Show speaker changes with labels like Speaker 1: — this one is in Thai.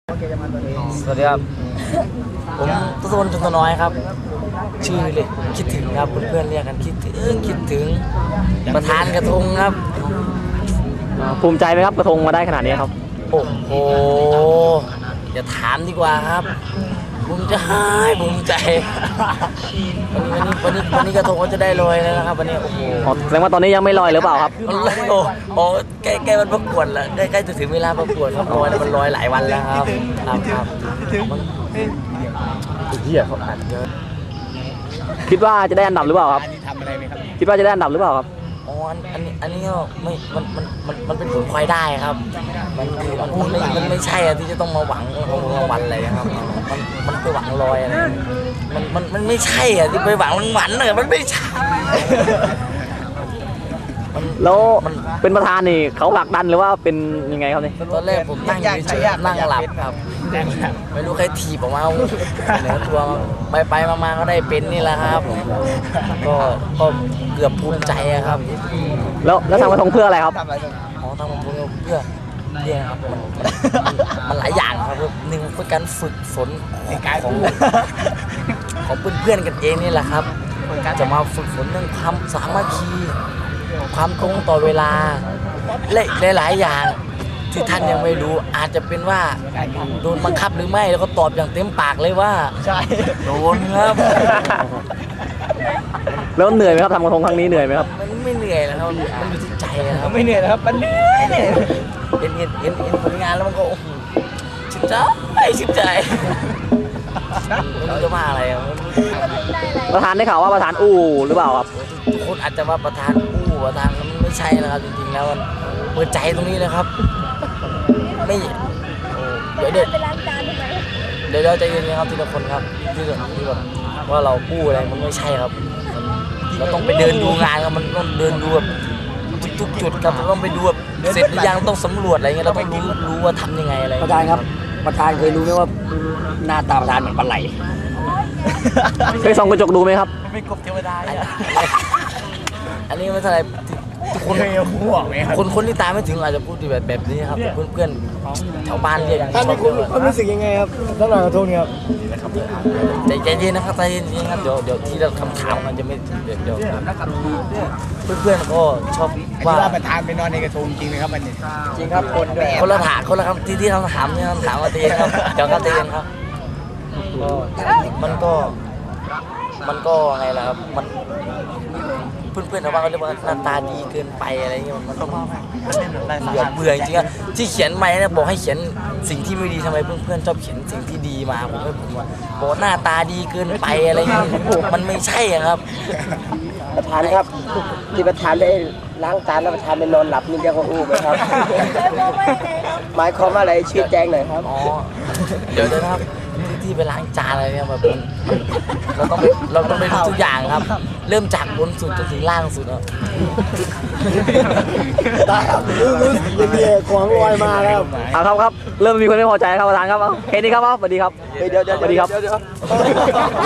Speaker 1: สวัสดีครับผมตุสนจุนตน้อยครับชื่อเลยคิดถึงครับเพื่อนๆเรียกกันคิดถึงประธานกระทงครับ
Speaker 2: ภูมิใจไหมครับกระทงมาได้ขนาดนี้ครับ
Speaker 1: โอ้โหอย่าถามดีกว่าครับภูมิใจวันนี้กระทงก็จะได้ลอยแล้วนะครับวันนี้โอ้โห
Speaker 2: แสดงว่าตอนนี้ยังไม่ลอยหรือเปล่าครับ
Speaker 1: โอ้ใกล้มันประกวดแล้วใกล้จะถึงเวลาประกวดครับลอยแล้วมันลอยหลายวันแล้วครับมันเหี้ยเขาอัดเยอะ
Speaker 2: คิดว่าจะได้อันดับหรือเปล่าครับคิดว่าจะได้อันดับหรือเปล่าครับ
Speaker 1: อ๋ออันนี้ก็ไม่มันเป็นผลพลอยได้ครับมันไม่ใช่ที่จะต้องมาหวังรางวัลอะไรครับมันไปหวังลอยอะไรมันไม่ใช่ที่ไปหวังรางวัลเลยมันไม่ใช่
Speaker 2: แล้วเป็นประธานนี่เขาผลักดันหรือว่าเป็นยังไงครับนี่
Speaker 1: ตอนแรกผมนั่งเฉยๆนั่งหลับครับไม่รู้ใครถีบออกมาเหนือตัวไปมาก็ได้เป็นนี่แหละครับก็เกือบภูมิใจครับ
Speaker 2: แล้วทำกระทงเพื่ออะไรครับ
Speaker 1: อ๋อทำกระทงเพื่อเนี่ยครับมันหลายอย่างครับหนึ่งเป็นการฝึกฝนของเพื่อนๆกันเองนี่แหละครับจะมาฝึกฝนเรื่องความสามัคคีความตรงต่อเวลาและหลายอย่างที่ท่านยังไม่รู้อาจจะเป็นว่าโดนบังคับหรือไม่แล้วก็ตอบอย่างเต็มปากเลยว่า
Speaker 2: ใช่
Speaker 1: โดนครับ
Speaker 2: แล้วเหนื่อยไหมครับทำกระทงครั้งนี้เหนื่อยไหมครับ
Speaker 1: มันไม่เหนื่อยนะครับมันอยู่ที่ใจครับ
Speaker 2: ไม่เหนื่อยนะครับมันเหนื่อย
Speaker 1: เห็นผลงานแล้วมันก็ชื่นใจไม่รู้จะว่าอะไร
Speaker 2: ประธานได้ข่าวว่าประธานอู้หรือเปล่าครับ
Speaker 1: ทุกคนอาจจะว่าประธานอู้ประธานมันไม่ใช่นะครับจริงๆแล้วมันเปิดใจตรงนี้เลยครับไม่เดี๋ยวใจเย็นๆครับทีละคนครับที่แบบว่าเราอู้อะไรมันไม่ใช่ครับเราต้องไปเดินดูงานครับมันต้องเดินดูแบบทุกจุดครับเราต้องไปดูแบบเสร็จหรือยังต้องสำรวจอะไรเงี้ยเราต้องรู้ว่าทำยังไงอะไร
Speaker 3: ประธานครับประธานเคยรู้ไหมว่าหน้าตาประธานเหมือนปลาไหล
Speaker 2: เคยส่องกระจกดูไหมครับ
Speaker 1: ไม่กบเทวดาอันนี้ไม่เท่าไรทุกคนคนที่ตามไม่ถึงอาจจะพูดแบบนี้ครับเพื่อนแถวบ้านเรียก
Speaker 3: ท่านมีความรู้สึกยังไงครับสำหรับกระทงนี้ครับ
Speaker 1: ใจเย็นนะครับใจเย็นครับเดี๋ยวที่เราคำถามมันจะไม่เดี๋ยวเพื่อนก็ชอบว่า
Speaker 3: ประธานไปนอนในกระทงจริงไหมครับมันจริงครับ
Speaker 1: คนละคำที่คำถามเนี่ยคำถามว่าใจเย็นครับเดี๋ยวครับใจเย็นครับมันก็ไงล่ะครับมันเพื่อนๆชาวบ้านเขาเรียกว่าหน้าตาดีเกินไปอะไรเงี้ยมันต้องเบื่อจริงๆที่เขียนไปนะบอกให้เขียนสิ่งที่ไม่ดีทำไมเพื่อนๆชอบเขียนสิ่งที่ดีมาผมว่าบอกหน้าตาดีเกินไปอะไรเงี้ยมันไม่ใช่ครับ
Speaker 3: ประธานครับที่ประธานได้ล้างจานแล้วประธานไปนอนหลับนี่เรียกว่าอู้ไหมครับหมายความว่าอะไรชี้แจงหน่อยครับ
Speaker 1: อ๋อเดี๋ยวนะครับที่ไปล้างจานอะไรเนี่ยแบบเราต้องไปดูทุกอย่างครับเริ่มจากบนสุดจนถึงล่างสุดครับ
Speaker 3: รู้สึกยังไงของลอยมาแล้ว
Speaker 2: ครับเริ่มมีคนไม่พอใจครับประธานครับแค่นี้ครับสวัสดีครับ
Speaker 3: เดี๋ยว